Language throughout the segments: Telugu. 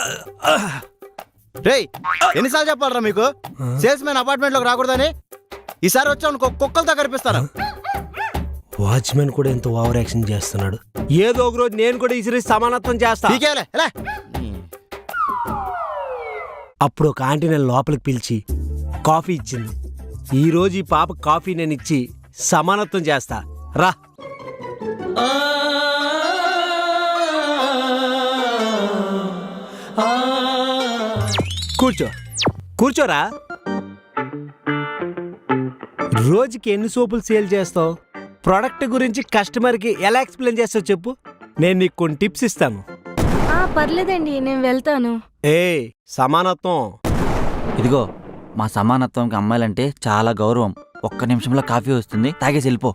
రేయ్ ఎన్నిసార్లు చెప్పాలరా మీకు సేల్స్ మ్యాన్ అపార్ట్మెంట్ లోకి రాకూడదని? ఈసారి వచ్చావు కుక్కలతో కనిపిస్తాను. వాచ్మెన్ కూడా ఎంత ఓవర్ యాక్షన్ చేస్తున్నాడు. ఏదో ఒక రోజు నేను కూడా ఇసిరి సమానత్వం చేస్తా. అప్పుడు ఒక ఆంటీ నేను లోపలికి పిలిచి కాఫీ ఇచ్చింది. ఈ రోజు ఈ పాప కాఫీ నేను ఇచ్చి సమానత్వం చేస్తా. రా. కూర్చో, కూర్చోరా. రోజుకి ఎన్ని సోపులు సేల్ చేస్తావు? ప్రోడక్ట్ గురించి కస్టమర్కి ఎలా ఎక్స్ప్లెయిన్ చేస్తావు చెప్పు, నేను నీకు కొన్ని టిప్స్ ఇస్తాను. పర్లేదండి, నేను వెళ్తాను. సమానత్వం. ఇదిగో, మా సమానత్వంకి అమ్మాయిలంటే చాలా గౌరవం. ఒక్క నిమిషంలో కాఫీ వస్తుంది, తాగేసి వెళ్ళిపో.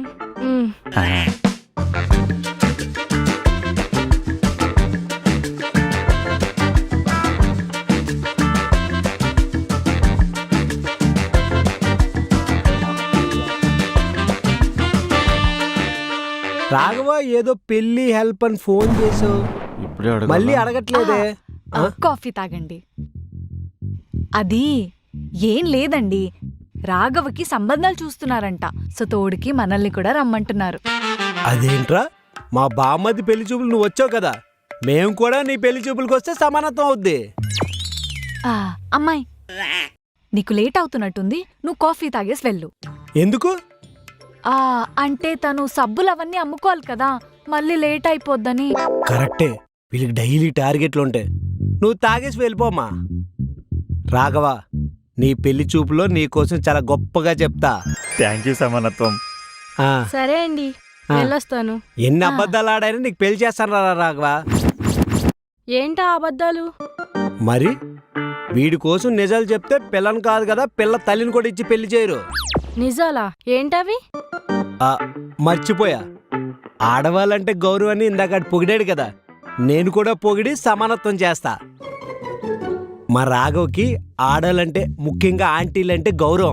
రాఘవ ఏదో పెళ్లి హెల్ప్ అని ఫోన్ చేసావు, మళ్ళీ అడగట్లేదే. కాఫీ తాగండి. అది ఏం లేదండి, రాఘవకి సంబంధాలు చూస్తున్నారంట. సో తోడికి మనల్ని కూడా రమ్మంటున్నారు. అదేంట్రా, మా బామ్మది పెళ్లి చూపులు నువ్వు వచ్చావు కదా, మేము కూడా నీ పెళ్లి చూపులకు వస్తే సమానత్వం అవుద్ది. అమ్మాయి, నీకు లేట్ అవుతున్నట్టుంది, నువ్వు కాఫీ తాగేసి వెళ్ళు. ఎందుకు? అంటే తను సబ్బులు అవన్నీ అమ్ముకోవాలి కదా, మళ్ళీ లేట్ అయిపోద్దని. కరెక్టే, వీళ్ళకి డైలీ టార్గెట్లు ఉంటాయి. నువ్వు తాగేసి వెళ్ళిపోమ్మా. రాఘవ, నీ పెళ్లి చూపులో నీ కోసం చాలా గొప్పగా చెప్తా. థ్యాంక్ యూ సమానత్వం. సరే అండి, వెళ్ళొస్తాను. ఎన్ని అబద్ధాలు ఆడాయని నీకు పెళ్లి చేస్తాను రా రాఘవ. ఏంటా అబద్ధాలు? మరి వీడి కోసం నిజాలు చెప్తే పిల్లని కాదు కదా, పిల్ల తల్లిని కూడా ఇచ్చి పెళ్లి చేయరు. నిజాలా? ఏంటవి? మర్చిపోయా, ఆడవాళ్ళంటే గౌరవాన్ని ఇందాక పొగిడాడు కదా, నేను కూడా పొగిడి సమానత్వం చేస్తా. మా రాఘవ్కి ఆడవాళ్ళంటే, ముఖ్యంగా ఆంటీలంటే గౌరవం.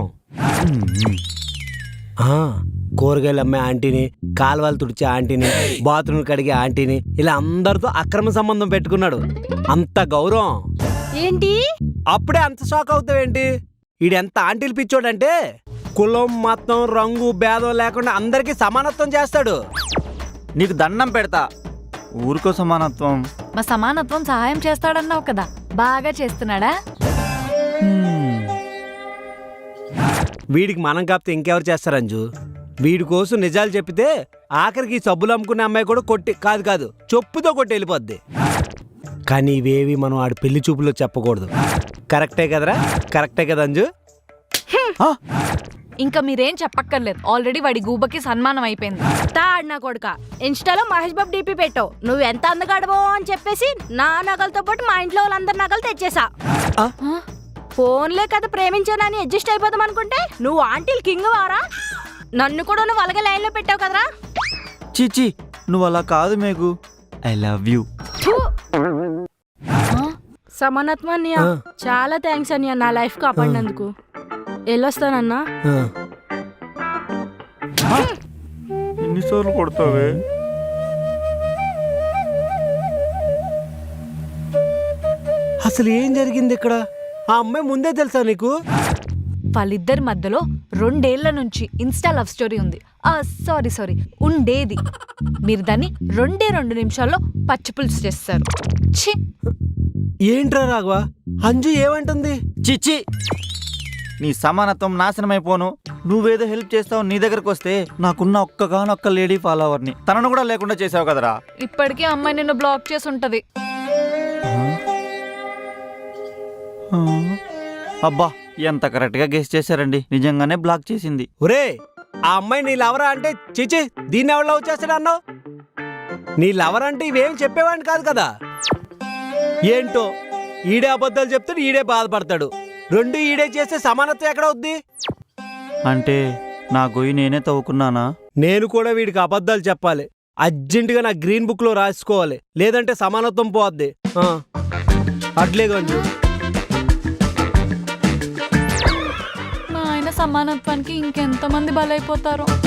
కూరగాయలు అమ్మే ఆంటీని, కాలువలు తుడిచే ఆంటీని, బాత్రూమ్ కడిగే ఆంటీని, ఇలా అందరితో అక్రమ సంబంధం పెట్టుకున్నాడు. అంత గౌరవం. ఏంటి? అప్పుడే అంత షాక్ అవుతావేంటి? ఈడెంత ఆంటీలు పిచ్చోడంటే కులం మతం రంగు భేదం లేకుండా అందరికీ సమానత్వం చేస్తాడు. నీకు దండం పెడతా, ఊరికో సమానత్వం. మా సమానత్వం సహాయం చేస్తాడన్నావు కదా, బాగా చేస్తున్నాడా? వీడికి మనం కాపితే ఇంకెవరు చేస్తారు అంజు? వీడి కోసం నిజాలు చెప్పితే ఆఖరికి సబ్బులు అమ్ముకునే అమ్మాయి కూడా కొట్టి కాదు చెప్పుతో కొట్టి వెళ్ళిపోద్ది. కానీ ఇవేవి మనం ఆడి పెళ్లి చూపులో చెప్పకూడదు. కరెక్టే కదరా? కరెక్టే కదా అంజు? ఇంకా మీరేం చెప్పక్కర్లేదు, ఆల్రెడీ వాడి గూబకి సన్మానం అయిపోయింది. నా కొడుక, ఇన్స్టాలో మహేష్ బాబు డీపీ పెట్టావు, నువ్వు ఎంత అందగాడవో అని చెప్పేసి నా నగలతో పాటు మా ఇంట్లో వాళ్ళందరి నగలు తెచ్చేసా. ఫోన్లే కదా ప్రేమించానని అడ్జస్ట్ అయిపోదాం అనుకుంటే నువ్వు ఆంటీలు కింగ్ వారా? నన్ను కూడా నువ్వు అలాగే లైన్ లో పెట్టావు కదరా. చీచి, నువ్వు అలా కాదు మేఘు, ఐ లవ్ యూ. సమానత్వం అన్నయ్య, చాలా థ్యాంక్స్ అన్నయ్య, నా లైఫ్ కాపాడినందుకు. వెళ్ళొస్తానన్నా. ఎన్నిసార్లు కొడతావే? అసలు ఏం జరిగింది ఇక్కడ? ఆ అమ్మాయి ముందే తెలుసా నీకు? వాళ్ళిద్దరి మధ్యలో 2 ఏళ్ల నుంచి ఇన్స్టా లవ్ స్టోరీ ఉంది. సారీ ఉండేది. మీరు దాన్ని 2 నిమిషాల్లో పచ్చిపులుసు చేస్తారు. ఏంట్రా రాఘవ, అంజు ఏమంటుంది? చిచ్చి, నీ సమానత్వం నాశనమైపోను. నువ్వేదో హెల్ప్ చేస్తావు, నీ దగ్గరకు వస్తే నాకున్న ఒక్కగానొక్క లేడీ ఫాలోవర్ని తనను కూడా లేకుండా చేసావు కదరా. ఇప్పటికీ అమ్మాయి నిన్ను బ్లాక్ చేసి ఉంటది. అబ్బా, ఎంత కరెక్ట్ గా గెస్ చేశారండి, నిజంగానే బ్లాక్ చేసింది. ఒరే, ఆ అమ్మాయి నీ లవరా అంటే చిచి దీన్ని ఎవరు లవ్ చేస్తాడు అన్నావు? నీ లవర్ అంటే ఇవేం చెప్పేవాడిని కాదు కదా. ఏంటో ఈడే అబద్ధాలు చెప్తాడు, ఈడే బాధపడతాడు. 2 ఈడే చేస్తే సమానత్వం ఎక్కడ అవుద్ది? అంటే నా గొయ్యి నేనే తవ్వుకున్నానా? నేను కూడా వీడికి అబద్ధాలు చెప్పాలి, అర్జెంటుగా నా గ్రీన్ బుక్ లో రాసుకోవాలి, లేదంటే సమానత్వం పోద్ది. అట్లే కొంచెం మా ఆయన సమానత్వానికి ఇంకెంతమంది బలైపోతారో.